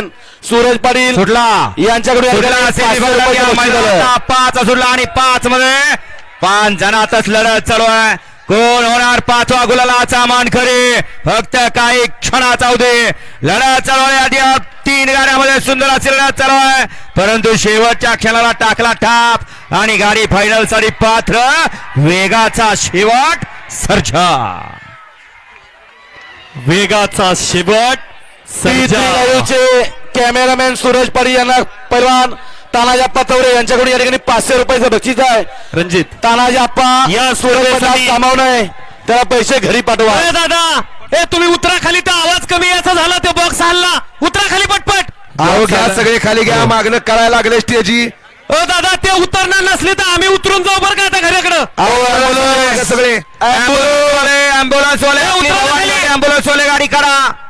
Cameraman Suraj Patil सुटला यांच्याकडून 5 सुटला आणि 5 मध्ये 5 जणातच लढत चालू आहे. कोण होणार 5वा गुलालाचा मानकरी? फक्त काही क्षणाचा अवधी लढत चालू आहे. आधी 3 गाड्यामध्ये सुंदर अशी लढत चालू आहे, परंतु शेवटच्या क्षणाला टाकला टाप आणि गाडी फायनल साठी पात्र. वेगाचा शेवट सर्जा, वेगाचा शेवट सर्जा. कॅमेरामॅन सूरज पाटील यांना पैलवान तानाजी आप्पा चौरे यांच्याकडून या ठिकाणी 500 रुपयाचं बक्षीस आहे. रणजित तानाजी आप्पा या सूरज स्पर्धेसाठी कामावून आहे, त्याला पैसे घरी पाठवा. अरे दादा तुम्ही उतरा खाली, तर आवाज कमी याचा झाला, ते बॉक्स हल्ला. उतरा खाली पटपट. अहो घ्या सगळे खाली घ्या, मागणं करायला लागले स्टेजी. दादा ते उतरणार नसले तर आम्ही उतरून जाऊ बरं का आता घराकडं. सगळे ॲम्ब्युलन्स वाले गाडी काढा.